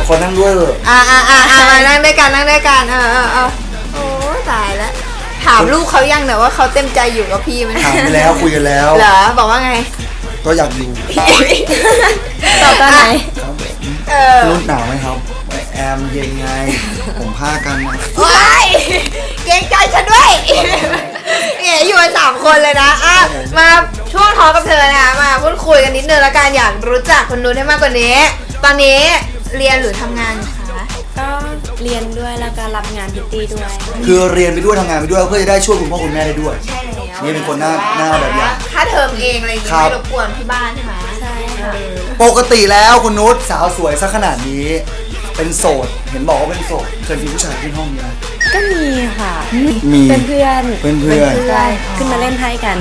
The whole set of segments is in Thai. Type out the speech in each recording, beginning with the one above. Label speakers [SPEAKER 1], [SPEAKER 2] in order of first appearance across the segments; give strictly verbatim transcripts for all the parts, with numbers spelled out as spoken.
[SPEAKER 1] ขอนั่งด้วยเถอะ
[SPEAKER 2] อ่าอ่าอ่ามานั่งด้วยกันนั่งด้วยกันเออเออเออโอ้ตายแล้วถามลูกเขายังเนี่ยว่าเขาเต็มใจอยู่กับพี่ไหม
[SPEAKER 1] ถามไปแล้วคุยกันแล้ว
[SPEAKER 2] เหรอบอกว่าไง
[SPEAKER 1] ก็อยากอยู่
[SPEAKER 2] ตอบตอนไหนเออ
[SPEAKER 1] รุ่นหนาวไหมครับแอมเย็นไงผมผ้ากันนะ
[SPEAKER 2] ว้ายเกรงใจฉันด้วยเนี่ยอยู่กันสามคนเลยนะอ่ะมาช่วงทอกับเธอนะมาพูดคุยกันนิดนึงแล้วกันอยากรู้จักคนนู้นให้มากกว่านี้ตอนนี้เรียนหรือทำงานคะ
[SPEAKER 3] ก็เรียนด้วยแล้วก็รับงานพิตตี้ด้วย
[SPEAKER 1] คือเรียนไปด้วยทำงานไปด้วยเพื่อจะได้ช่วยคุณพ่อคุณแม่ได้ด้วย
[SPEAKER 2] ใช่แล้ว
[SPEAKER 1] นี่เป็นคนหน้าหน้าแบบอย่าง
[SPEAKER 2] ค่าเทอมเองอะไรอย่างเงี้ยไม่รบกวนที่บ้านใช่ไหม
[SPEAKER 3] ใช่ค่ะ
[SPEAKER 1] ปกติแล้วคุณนุชสาวสวยซะขนาดนี้เป็นโสดเห็นบอกว่าเป็นโสดเคยมีผู้ชายขึ้นห้องนี้ไหม
[SPEAKER 3] ก็มีค่ะ
[SPEAKER 1] มี
[SPEAKER 3] เป็นเพื่อน
[SPEAKER 1] เป็นเพื่อน
[SPEAKER 3] ขึ้นมาเล่นไพ่กัน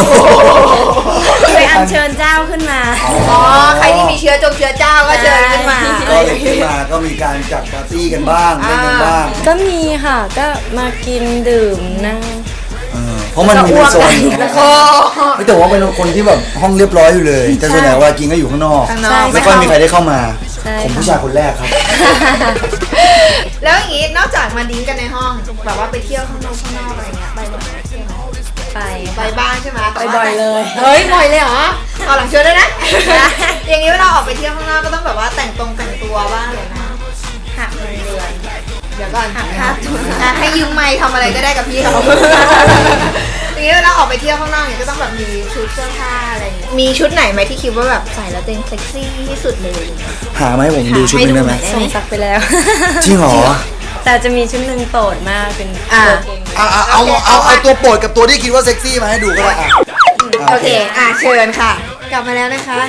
[SPEAKER 3] ไปอัญเชิญเจ้าขึ้นมา
[SPEAKER 2] อ๋อใครที่มีเชื้อจงเชื้อเจ้าก็เชิญขึ้นมา
[SPEAKER 1] ก็เลยขึ้นมาก็มีการจัดปาร์ตี้กันบ้างเล่นกันบ้าง
[SPEAKER 3] ก็มีค่ะก็มากินดื่มนั่ง
[SPEAKER 1] เพราะมันมีเป็นโซนไม่แต่ว่าเป็นคนที่แบบห้องเรียบร้อยอยู่เลยแต่ส่วนใหญ่ว่ากินก็อยู่ข้างนอกไม่ค่อยมีใครได้เข้ามาผมผู้ชายคนแรกครับ
[SPEAKER 2] แล้วอย่างงี้นอกจากมาดิ้งกันในห้องแบบว่าไปเที่ยวข้างนอกข้างนอกอะไรเงี้ยไปบ่อยไหมไปไปบ้างใช่ไหม
[SPEAKER 3] ไปบ่อยเลย
[SPEAKER 2] เฮ้ยบ่อยเลยเหรอเอาหลังเชิญด้วยนะอย่างงี้เวลาออกไปเที่ยวข้างนอกก็ต้องแบบว่าแต่งตรงแต่งตัวบ้างเลยนะหักเงินเดือนเดี๋ยวก่อนหักค่าตัวให้ยืมไมค์ทำอะไรก็ได้กับพี่เขาอย่างงี้เวลาออกไปเที่ยวข้างนอกเนี่ยก็ต้องแบบมีชุดเสื้อผ้าอะไรอย่างเงี้ยมีชุดไหนไหมที่คิดว่าแบบใส่แล้วเต็มเซ็กซี่ที่สุดเลย
[SPEAKER 1] หาไหมผมดูชุดนึงได้ไหม
[SPEAKER 3] ส่งซักไปแล้ว
[SPEAKER 1] จริงเหรอ
[SPEAKER 3] แต่จะมีชุดหนึ่งโปรดมากเป็นตัวเก่ง
[SPEAKER 1] เอาเอาเอาเอาตัวโปรดกับตัวที่คิดว่าเซ็กซี่มาให้ดูก็ได้
[SPEAKER 2] โอเคอ่ะเชิญค่ะกลับมาแล้วนะคะ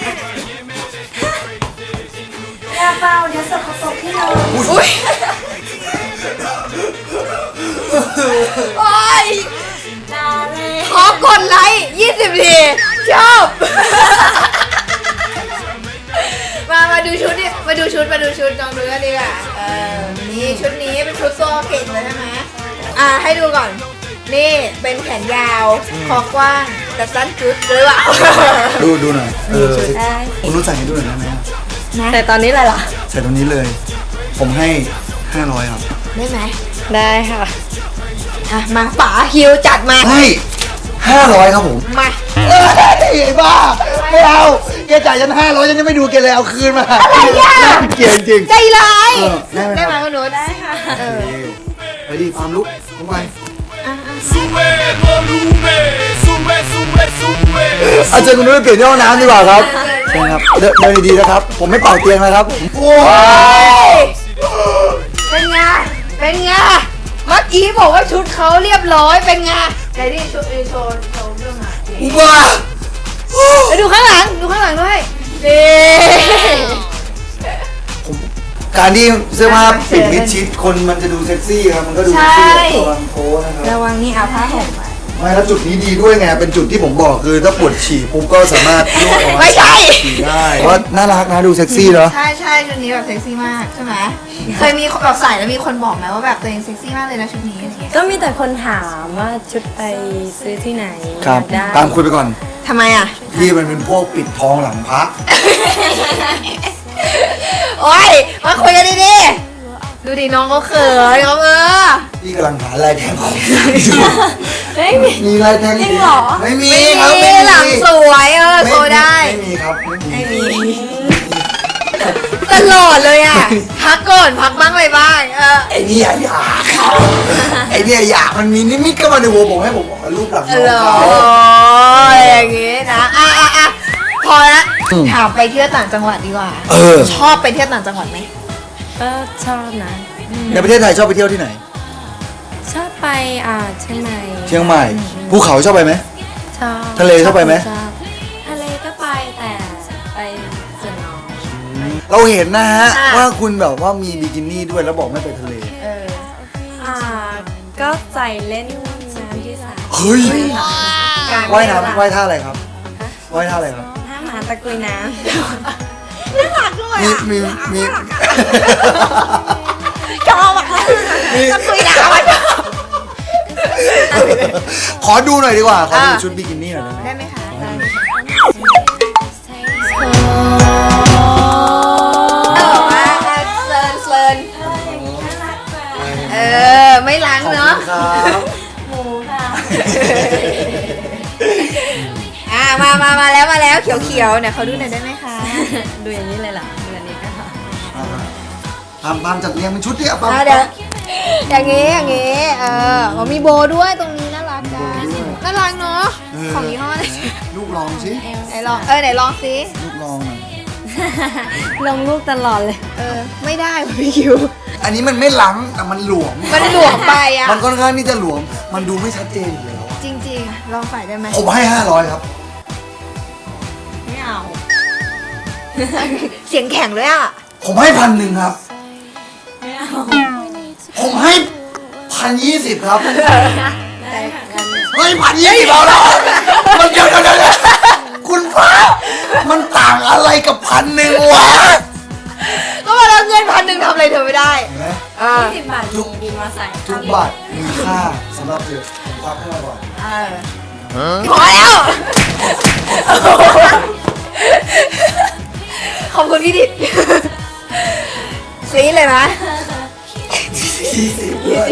[SPEAKER 3] ยาเปล่าเดี๋ยวสกปรกที่เรา
[SPEAKER 2] อุ้ยโอ้ยขอกดไลค์ยี่สิบทีชอบมามาดูชุดดิมาดูชุดมาดูชุดลองดูกันดีกว่าเออนี่ชุดนี้เป็นชุดโซ่เก่งเลยใช่ไหมอ่ะให้ดูก่อนนี่เป็นแขนยาวคอกว้างแต่สั้นชุดหรือเปล่า
[SPEAKER 1] ดูดูหน่อยเออคุณรู้ใส่ให้ดูหน่อยได้ไหม
[SPEAKER 3] แต่ตอนนี้เลยเหรอ
[SPEAKER 1] ใส่ตรงนี้เลยผมให้ห้าร้อยครับ
[SPEAKER 2] ได้ไหม
[SPEAKER 3] ได้ค่ะ
[SPEAKER 2] อ่ะมาป๋าฮิวจัดมา
[SPEAKER 1] ให้ห้าร้อยครับผม
[SPEAKER 2] มา
[SPEAKER 1] เอ้ยไอ้บ้าไม่เอาแกจ่ายฉันห้าร้อยฉันจะไม่ดูแกเลยเอาคืนมา
[SPEAKER 2] อะไรอ่ะ
[SPEAKER 1] เกลียดจริง
[SPEAKER 2] ใจร้าย
[SPEAKER 1] ได้
[SPEAKER 2] ไหมคุณหนูได้ค่ะเออ
[SPEAKER 1] ไปดิความลุกลงไปอาจารย์คุณนุ้ยเปลี่ยนที่ห้องน้ำดีกว่าครับใช่ครับเดินดีๆนะครับผมไม่เป่าเตียงนะครับโอ้
[SPEAKER 2] ยเป็นไงเป็นไงเมื่อกี้บอกว่าชุดเขาเรียบร้อยเป็นไงไหนดิโชว์โชว์โชว์เรื่องอ่ะ
[SPEAKER 1] อุบ้า
[SPEAKER 2] ไปดูข้างหลังดูข้างหลังด้วยนี่
[SPEAKER 1] การที่เสื้อผ้าปิดมิดชิดคนมันจะดูเซ็กซี่ครับมันก็ดูเซ็กซี่ระวังโค้นะครับ
[SPEAKER 2] ระวังนี่เอาผ้าห่ม
[SPEAKER 1] ไม่แล้วจุดนี้ดีด้วยไงเป็นจุดที่ผมบอกคือถ้าปวดฉี่ปุ๊บก็สามารถ
[SPEAKER 2] นวดออกไม่ใช่
[SPEAKER 1] ฉี่ได้เพราะน่ารักนะดูเซ็กซี่เนาะ
[SPEAKER 2] ใช่ใช่ชุดนี้แบบเซ็กซี่มากใช่ไหมเคยมีแบบใส่แล้วมีคนบอกไหมว่าแบบตัวเองเซ็กซี่มากเลยนะชุดนี้
[SPEAKER 3] ก็มีแต่คนถามว่าชุดไปซื้อที่ไหน
[SPEAKER 1] ครับตามคุยไปก่อน
[SPEAKER 2] ทำไมอ่ะ
[SPEAKER 1] พี่มันเป็นพวกปิดทองหลังพระ
[SPEAKER 2] โอ้ยมาคุยกันดีๆดูดิน้องเขาเขินเขาเออ
[SPEAKER 1] พี่กำลังหาลายแทงของ
[SPEAKER 3] ไม่มี
[SPEAKER 1] มีลายแทง
[SPEAKER 3] จริงเหรอ
[SPEAKER 1] ไม่มี
[SPEAKER 2] ครับไม่มีหลังสวยเออโชว์ได้
[SPEAKER 1] ไม่มีครับไม่มี
[SPEAKER 2] ตลอดเลยอ่ะพักก่อนพักบ้างอะไรบ้างเออ
[SPEAKER 1] ไอ้นี่อยากไอ้นี่อยากมันมีนิมิตเข้ามาในหัวผมให้ผมบอกรูปหลังน้องเขา
[SPEAKER 2] อย่างงี้นะอ่ะอ่ะอ่ะพอละถามไปเที่ยวต่างจังหวัดดีกว่าชอบไปเที่ยวต่างจังหวัดไหม
[SPEAKER 3] ก็ชอบนะ
[SPEAKER 1] ในประเทศไทยชอบไปเที่ยวที่ไหน
[SPEAKER 3] ชอบไปอ่าเชียงใหม่
[SPEAKER 1] เชียงใหม่ภูเขาชอบไปไหม
[SPEAKER 3] ชอบ
[SPEAKER 1] ทะเลชอบไปไหม
[SPEAKER 3] ทะเลก็ไปแต่ไปส่วนน้อย
[SPEAKER 1] เราเห็นนะฮะว่าคุณแบบว่ามีบิกินี่ด้วยแล้วบอกไม่ไปทะเล
[SPEAKER 3] เอออ่าก็ใส่เล่นน้ำที่สระ
[SPEAKER 1] เฮ้ยว่ายน้ำว่ายท่าอะไรครับว่ายท่าอะไรครับ
[SPEAKER 3] ท่าหมาตะกุยน้ำ
[SPEAKER 2] น่ารักด้วย
[SPEAKER 1] มีมีมี
[SPEAKER 2] ชอบอ่ะตะกุยน้ำ
[SPEAKER 1] ขอดูหน่อยดีกว่าขอดูชุดบิกินี่หน่อย
[SPEAKER 2] ได้ไหมคะเออว่าอ่ามามามาแล้วมาแล้วเขียวเขียวๆเนี่ยเขาดูหน่อยได้ไหมคะ
[SPEAKER 3] ดูอย่างนี้เลยเหรอดูอันนี้ก็ค่ะ
[SPEAKER 1] ทำตามจัดเรียงเป็นชุดเนี่ยปั๊ม
[SPEAKER 2] อ่าเดี๋ยวอย่างงี้อย่างงี้เออมันมีโบด้วยตรงนี้น่ารักจังน่ารักเนาะของยี่ห้ออะไร
[SPEAKER 1] ลูกลองสิ
[SPEAKER 2] ไหนลองเออไหนลองสิ
[SPEAKER 1] ลูกลองหน่อย
[SPEAKER 3] ลงรูปตลอดเลย
[SPEAKER 2] เออไม่ได้ว่ะพี่คิว
[SPEAKER 1] อันนี้มันไม่หลังแต่มันหลวม
[SPEAKER 2] มันหลวมไปอ่ะ
[SPEAKER 1] มันค่อนข้างที่จะหลวม มันดูไม่ชัดเจนอยู่แล้ว
[SPEAKER 2] จริงๆลองใส่ได้ไหม
[SPEAKER 1] ผมให้ห้าร้อยครับ
[SPEAKER 3] ไม่เอา
[SPEAKER 2] เสียงแข็งเลยอ่ะ
[SPEAKER 1] ผมให้พันหนึ่งครับ
[SPEAKER 3] ไม่เอา
[SPEAKER 1] ผมให้พันยี่สิบครับ
[SPEAKER 3] แต่กัน
[SPEAKER 1] เฮ้ยพันยี่สิบเอาแล้วมันเดี๋ยวเดี๋ยวเดี๋ยวคุณพระมันต่างอะไรกับพันหนึ่งวะ
[SPEAKER 2] ก็มาแล้วเงินพันหนึ่งทำอะไรเธอไม่ได้
[SPEAKER 1] เห็นไหม
[SPEAKER 2] อ่า
[SPEAKER 3] ยี่สิบบาทมีบินมาใส่
[SPEAKER 1] ทุกบาทมีค่าสำหรับเธอผมควักให้มาก่อน
[SPEAKER 2] เออพอแล้ว ขอบคุณพี่ดิดซีดเลยนะ
[SPEAKER 1] ยี่สิบด้วย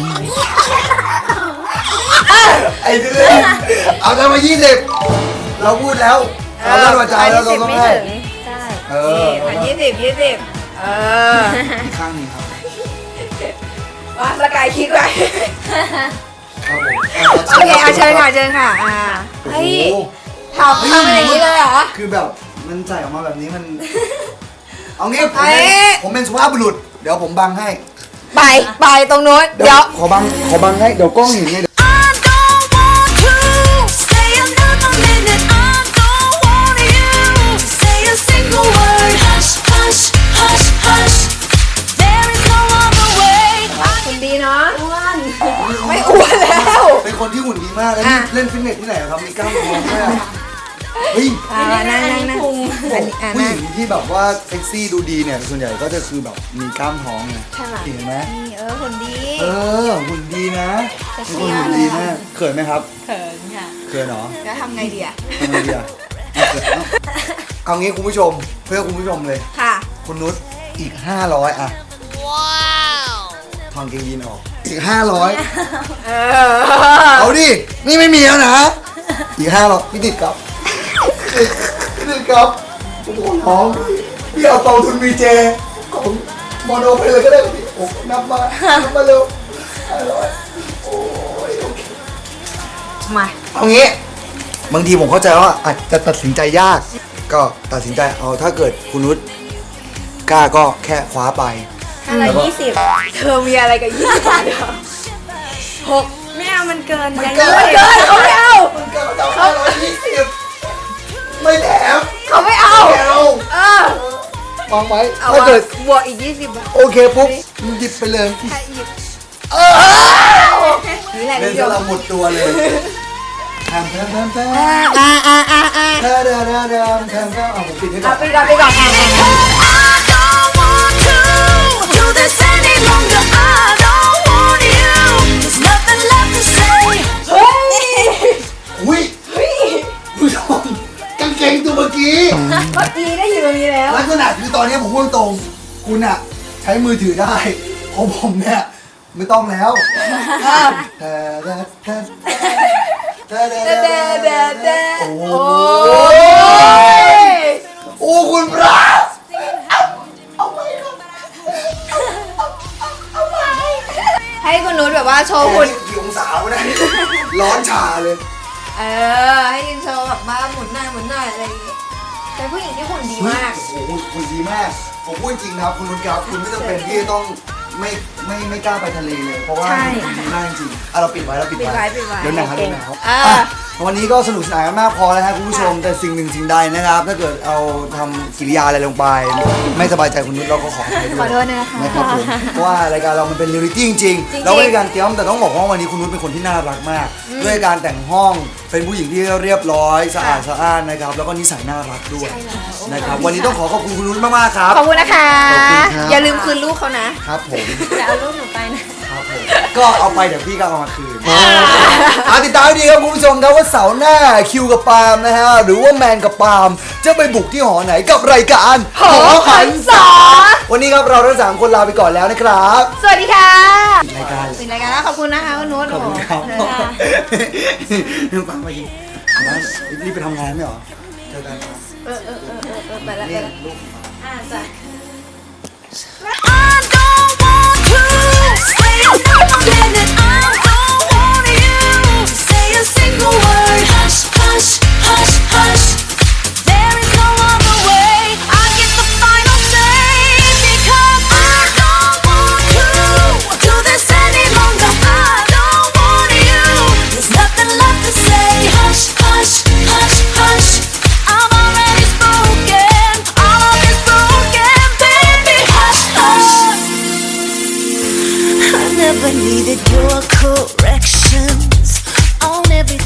[SPEAKER 1] ไอ้เดือนเอาเงินมายี่สิบเราพูดแล้วเราเล่นวาจาแล้วเราต้องให้
[SPEAKER 3] ใช่
[SPEAKER 1] เออ
[SPEAKER 2] พันยี่สิบยี่สิบเออ
[SPEAKER 1] อีกข้างหนึงครับ
[SPEAKER 2] ว่าสกายคิดไว้
[SPEAKER 1] ครับผม
[SPEAKER 2] โอเคเอาเชิญค่ะเชิญค่ะอ่า
[SPEAKER 1] โอ้
[SPEAKER 2] เฮ้ย
[SPEAKER 1] โห
[SPEAKER 2] ทำทำอะไรอย่างนี้เลยเหรอ
[SPEAKER 1] คือแบบมันใส่ออกมาแบบนี้มัน เอางี้ผม
[SPEAKER 2] เอ้
[SPEAKER 1] เป็น
[SPEAKER 2] ย
[SPEAKER 1] ผมเป็นสุภาพบุรุษ เดี๋ยวผมบังให้
[SPEAKER 2] ไปไปตรงนู้น
[SPEAKER 1] เดี๋
[SPEAKER 2] เดี๋
[SPEAKER 1] ย
[SPEAKER 2] ยว ว
[SPEAKER 1] ขอบังขอบังให้ เดี๋ยวกล้องเห็นไงเดี๋ยว
[SPEAKER 4] I don't want to stay another minute. I don't want you to say a single word. Hush, hush, hush, hush. There is no other way.
[SPEAKER 2] คุณดีเนาะ
[SPEAKER 3] อ้วน
[SPEAKER 2] ไม่อ้วนแล้ว
[SPEAKER 1] เป็นคนที่หุ่นดีมากแล้วนี่
[SPEAKER 2] อ่ะ
[SPEAKER 1] เล่นฟิตเนสที่ไหนครับ มีกล้ามท้องด้วยอะเฮ้ย
[SPEAKER 2] อ่านั่งนั่งนั่ง
[SPEAKER 3] พุง
[SPEAKER 2] อันนี้อ่า
[SPEAKER 1] ผู้ห
[SPEAKER 2] นั่
[SPEAKER 1] ญิ
[SPEAKER 2] ง
[SPEAKER 1] งที่แบบว่าเซ็กซี่ดูดีเนี่ยส่วนใหญ่ก็จะคือแบบมีกล้ามท้องไง
[SPEAKER 2] ใช่ไหม
[SPEAKER 1] เห็นไหม
[SPEAKER 2] นี่เออคนดี
[SPEAKER 1] เออหุ่นดีนะ
[SPEAKER 2] เซ็ก
[SPEAKER 1] เป็น
[SPEAKER 2] ซี่
[SPEAKER 1] คนหุ่นดีมากเขินไหมครับ
[SPEAKER 3] เขินค่ะ
[SPEAKER 1] เขินเหรอ
[SPEAKER 2] แล้วทำไงดีอ่ะ
[SPEAKER 1] ทำไงดีอะเอาเอางี้คุณผู้ชมเพื่อคุณผู้ชมเลย
[SPEAKER 2] ค่ะ
[SPEAKER 1] คุณนุชอีกห้าร้อยอะว้าวทองเกงยีนออกอีกห้าร้อย
[SPEAKER 2] เออ
[SPEAKER 1] เอาดินี่ไม่มีแล้วนะอีกห้าร้อยพี่ติดครับพี่ติดครับผมขอร้องพี่เอากองทุนวีเจของโมโนไปเลยก็ได้พี่โอ้นับมานับมาเร็วห้าร้อยโอ้ยโอเค
[SPEAKER 2] มา
[SPEAKER 1] เอางี้บางทีผมเข้าใจว่าอาจจะตัดสินใจยาก ก็ตัดสินใจเอาถ้าเกิดคุณนุชกล้าก็แค่คว้าไป
[SPEAKER 2] ห้าร้อยยี่สิบเธอมีอะไรกับยี่สิบบาทเหรอหก
[SPEAKER 3] ไม่เอามันเกิน
[SPEAKER 1] มัน
[SPEAKER 3] ยัง
[SPEAKER 1] เกิน
[SPEAKER 2] มันเกินเขาไม่เอา
[SPEAKER 1] มันเกินมาจากห้าร้อยยี่สิบไม่แถม
[SPEAKER 2] เขาไม่เอา
[SPEAKER 1] ไม่เอา
[SPEAKER 2] เออ
[SPEAKER 1] วางไว้
[SPEAKER 2] เอา
[SPEAKER 1] ถ้าเกิด
[SPEAKER 2] บวกอีกยี่สิบบาท
[SPEAKER 1] โอเคปุ๊บหยิบไปเลย
[SPEAKER 2] ถ้าหยิบ
[SPEAKER 1] เออ
[SPEAKER 2] นี่แหละ
[SPEAKER 1] เล่
[SPEAKER 2] คุ
[SPEAKER 1] น
[SPEAKER 2] ณผู้ช
[SPEAKER 1] ซะเรา
[SPEAKER 2] ม
[SPEAKER 1] หมดตัวเลยแทมแทมแทมแทม
[SPEAKER 2] อ่าอ่าอ่าอ่า
[SPEAKER 1] แทมแทมแทมแทมแทมแทมเอาผมปิดให้ก่
[SPEAKER 2] เอา
[SPEAKER 1] อน
[SPEAKER 2] ไปก่อนไปก่อนอ่าอ่า
[SPEAKER 4] I don't want to do this any longer. I don't want you. There's nothing left to say.
[SPEAKER 2] เฮ้ย
[SPEAKER 1] อุ้ยผู้ชมกางเกงตัวเมื่อกี้
[SPEAKER 2] เมื่อกี้ได้อยู่ตรงนี้แล้ว
[SPEAKER 1] ลักษณะคือตอนนี้ผมพูดตรงๆคุณอะใช้มือถือได้ของผมเนี่ยไม่ต้องแล้วแต่แต่แต่แต่แต่แต่แต่แต่โอ้โห
[SPEAKER 2] โอ้ย
[SPEAKER 1] โอ้คุณพระเอา
[SPEAKER 2] ให้คุณนุชแบบว่าโชว์
[SPEAKER 1] ไป
[SPEAKER 2] หุ่น
[SPEAKER 1] กี่องศาวะเนี่ยร้อนชาเลย
[SPEAKER 2] เออ ให้ยืนโชว์แบบมาหมุนหน้าหมุนหน้าอะไรอย่างงี้แต่ผู้หญิงที่หุ่นดีมาก
[SPEAKER 1] โอ้โหคุณดีมาก ผมพูดจริงครับคุณนุชครับคุณไม่จำเป็นที่จะต้องไม่ไม่ไม่กล้าไปทะเลเลย เพราะว่า
[SPEAKER 2] ใช่
[SPEAKER 1] คุณดีมากจริงๆอ่ะเราปิดไว้เราปิด
[SPEAKER 2] ปิดไว้
[SPEAKER 1] ไว้
[SPEAKER 2] ปิดไว้
[SPEAKER 1] เดี๋ยวหนาวเดี๋ยวหนาว
[SPEAKER 2] อ่า
[SPEAKER 1] อ่ะวันนี้ก็สนุกสนานกันมากพอแล้วครับคุณผู้ชมแต่สิ่งหนึ่งสิ่งใดนะครับ ถ้าเกิดเอาทำกิริยาอะไรลงไป ไม่สบายใจคุณนุชเราก็ขออภัยด้วย
[SPEAKER 2] ขอโทษนะคะ
[SPEAKER 1] นะครับผมเพราะว่ารายการเรามันเป็นเรียลลิตี้จริง
[SPEAKER 2] จริง
[SPEAKER 1] ๆ
[SPEAKER 2] ๆ
[SPEAKER 1] เราไม่ได้การเตรียมแต่ต้องบอกว่าวันนี้คุณนุชเป็นคนที่น่ารักมาก ด้วยการแต่งห้องเป็นผู้หญิงที่เรียบร้อยสะอาดสะอ้านนะครับแล้วก็นิสัยน่ารักด้วยนะครับวันนี้ต้องขอขอบคุณคุณนุชมากๆครับ
[SPEAKER 2] ขอบคุณนะคะ
[SPEAKER 1] ขอบคุณครับ
[SPEAKER 2] อย่าลืมคืนลูกเขานะ
[SPEAKER 1] ครับผม
[SPEAKER 3] จะเอารูปหนูไปนะ
[SPEAKER 1] ครับผก็เอาไปเดี๋ยวพี่ก็เอามาคืนอาติดตามให้ดีครับคุณผู้ชมครับว่าเสาร์หน้าคิวกับปาล์มนะฮะหรือว่าแมนกับปาล์มจะไปบุกที่หอไหนกับรายการหอหันษาวันนี้ครับเราทั้งสามคนลาไปก่อนแล้วนะครับ
[SPEAKER 2] สวัสดีค่ะ
[SPEAKER 1] รายการ
[SPEAKER 2] ปิดรายการแล้วขอบคุณนะคะคุณนุช
[SPEAKER 1] ขอบคุณครับ
[SPEAKER 2] โอ้โห
[SPEAKER 1] ปาล์มมายิงรีบไปทำงานไม่หรอเจอกันครับ
[SPEAKER 2] เออเออเออเออเออไปแล้วไป
[SPEAKER 1] นี่
[SPEAKER 2] แล้ว
[SPEAKER 1] ลูก
[SPEAKER 2] อ่าจ้ะ
[SPEAKER 4] I don't want to stay another minute.